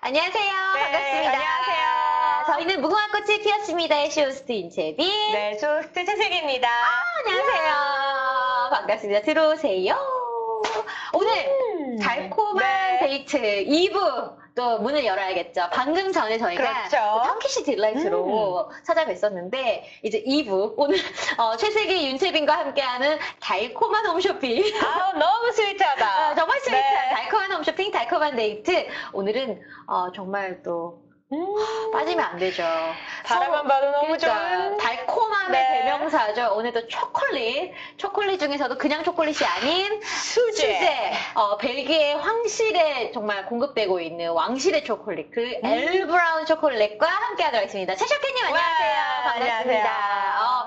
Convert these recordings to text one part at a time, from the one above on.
안녕하세요. 네, 반갑습니다. 안녕하세요. 저희는 무궁화꽃이 피었습니다의 쇼호스트 인채빈. 네, 쇼호스트 최슬기입니다. 안녕하세요. 반갑습니다. 들어오세요. 오늘 달콤한 네. 데이트 2부 또 문을 열어야겠죠. 방금 전에 저희가 그렇죠. 탐키시 딜라이트로 찾아뵀었는데 이제 2부 오늘 최슬기 윤채빈과 함께하는 달콤한 홈쇼핑. 아우, 너무 스위트하다. 정말 스위트한 네. 달콤한 홈쇼핑, 달콤한 데이트. 오늘은 정말 또 빠지면 안 되죠. 바라만 봐도 너무 좋은. 달콤함의 네. 대명사죠. 오늘도 초콜릿 중에서도 그냥 초콜릿이 아닌 수제. 벨기에 황실에 정말 공급되고 있는 왕실의 초콜릿, 그 엘브라운 초콜릿과 함께하도록 하겠습니다. 최쇼케님 안녕하세요. 와, 반갑습니다.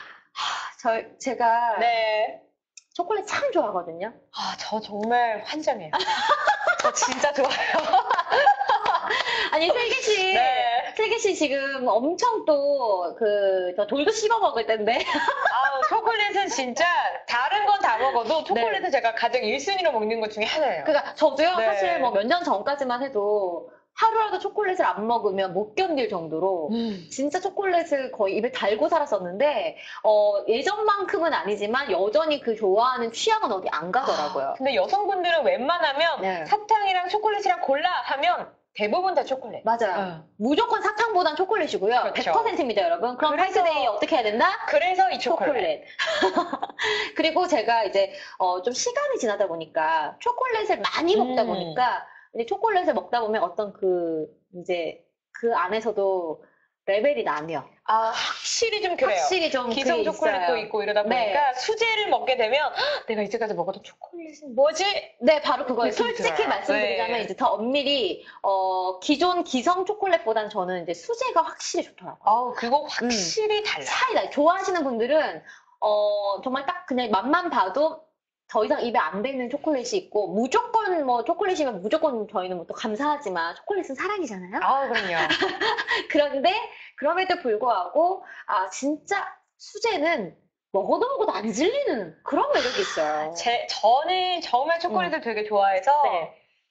제가 네. 초콜릿 참 좋아하거든요. 아, 저 정말 환장해요. 저 진짜 좋아요. 아니, 슬기씨. 네. 슬기씨 지금 엄청 또, 저 돌도 씹어 먹을 텐데. 아우, 초콜릿은 진짜 다른 건 다 먹어도 초콜릿은 제가 가장 1순위로 먹는 것 중에 하나예요. 그러니까 저도요, 네. 사실 뭐 몇 년 전까지만 해도 하루라도 초콜릿을 안 먹으면 못 견딜 정도로 진짜 초콜릿을 거의 입에 달고 살았었는데, 예전만큼은 아니지만 여전히 그 좋아하는 취향은 어디 안 가더라고요. 근데 여성분들은 웬만하면 네. 사탕이랑 초콜릿이랑 골라 하면 대부분 다 초콜릿. 맞아요. 무조건 사탕보단 초콜릿이고요. 그렇죠. 100%입니다, 여러분. 그럼 그래서- 화이트데이 어떻게 해야 된다? 그래서 이 초콜릿. 그리고 제가 이제 좀 시간이 지나다 보니까 초콜릿을 많이 먹다 보니까 이제 초콜릿을 먹다 보면 어떤 이제 그 안에서도 레벨이 나뉘어. 아, 확실히 좀 그래요. 확실히 좀 기성 그게 초콜릿도 있어요. 있고 이러다 보니까 수제를 먹게 되면 "헉, 내가 이제까지 먹었던 초콜릿은 뭐지?" 네, 바로 그거예요. 느낌 솔직히 들어요. 말씀드리자면 네. 이제 더 엄밀히 기존 기성 초콜릿보단 저는 이제 수제가 확실히 좋더라고요. 아우, 그거 확실히 달라. 차이다. 좋아하시는 분들은 정말 딱 그냥 맛만 봐도 더 이상 입에 안 되는 초콜릿이 있고 무조건 뭐 초콜릿이면 무조건 저희는 뭐 또 감사하지만 초콜릿은 사랑이잖아요. 아우, 그럼요. 그런데 그럼에도 불구하고 진짜 수제는 먹어도 안 질리는 그런 매력이 있어요. 저는 정말 초콜릿을 되게 좋아해서 네.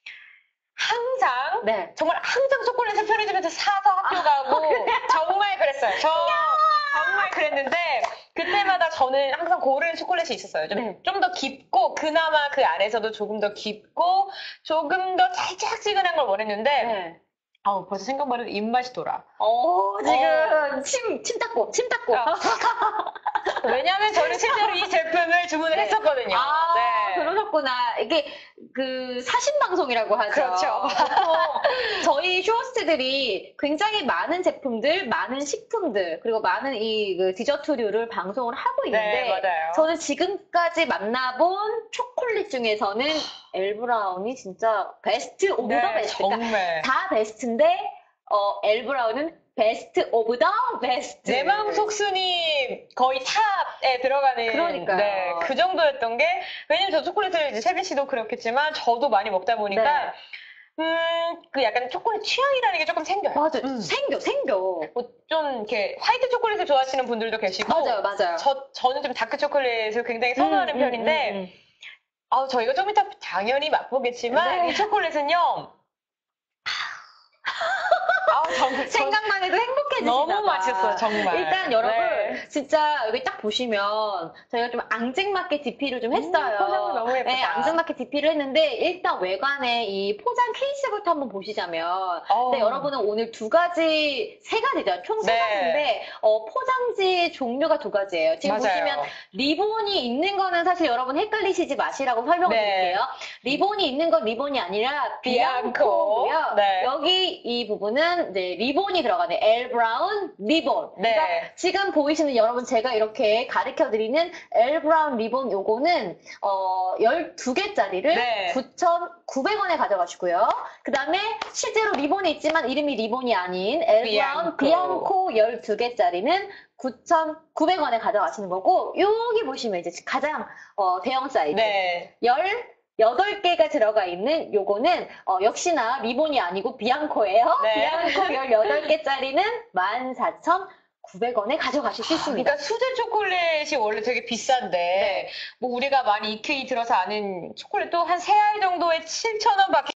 항상 네. 정말 항상 초콜릿을 편의점에서 사서 학교 가고 정말 그랬어요. 정말 그랬는데 그때마다 저는 항상 고르는 초콜릿이 있었어요. 네. 좀 더 깊고 그나마 그 안에서도 조금 더 깊고 조금 더 달짝지근한 걸 원했는데 네. 아우, 벌써 생각만 해도 입맛이 돌아. 지금 침 닦고. 왜냐하면 저는 실제로 이 제품을 주문을 했었거든요. 네. 그러셨구나. 이게 사신 방송이라고 하죠. 그렇죠. 보통 저희 쇼호스트들이 굉장히 많은 제품들, 많은 식품들, 그리고 많은 이 디저트류를 방송을 하고 있는데 네, 맞아요. 저는 지금까지 만나본 초콜릿 중에서는 엘브라운이 진짜 베스트 오브 더 베스트. 정말. 다 베스트인데 엘브라운은 베스트 오브 더 베스트. 내 마음 속순이 거의 탑에 들어가는. 그러니까요. 네, 그 정도였던 게, 왜냐면 저 초콜릿을 이제 세빈 씨도 그렇겠지만, 저도 많이 먹다 보니까, 그 약간 초콜릿 취향이라는 게 조금 생겨요. 맞아. 생겨. 뭐 좀 이렇게 화이트 초콜릿을 좋아하시는 분들도 계시고, 맞아요. 저는 좀 다크 초콜릿을 굉장히 선호하는 편인데, 저희가 좀 이따 당연히 맛보겠지만, 네. 이 초콜릿은요, 생각만 해도 행복해지시나 너무 봐. 맛있어요, 정말. 일단 여러분 네. 진짜 여기 딱 보시면 저희가 좀 앙증맞게 DP를 좀 했어요. 포장도 너무 예쁘다. 네, 앙증맞게 DP를 했는데 일단 외관에 이 포장 케이스부터 한번 보시자면 네, 여러분은 오늘 세 가지죠. 총 세 네. 가지인데 포장지 종류가 두 가지예요. 지금 맞아요. 보시면 리본이 있는 거는 사실 여러분 헷갈리시지 마시라고 설명을 네. 드릴게요. 리본이 있는 건 리본이 아니라 비앙코고요. 네. 여기 이 부분은 이제 리본이 들어가네. 엘브라운 리본. 네. 그러니까 지금 보이시는 여러분 제가 이렇게 가르쳐드리는 엘브라운 리본 요거는 12개짜리를 네. 9,900원에 가져가시고요. 그 다음에 실제로 리본이 있지만 이름이 리본이 아닌 엘브라운 비앙코 12개짜리는 9,900원에 가져가시는 거고 여기 보시면 이제 가장 대형 사이즈 네. 18개가 들어가 있는 요거는 역시나 리본이 아니고 비앙코예요. 네. 비앙코 18개짜리는 14,900원에 가져가실 수 있습니다. 그러니까 수제 초콜릿이 원래 되게 비싼데 뭐 우리가 많이 익히 들어서 아는 초콜릿도 한 3알 정도에 7,000원 밖에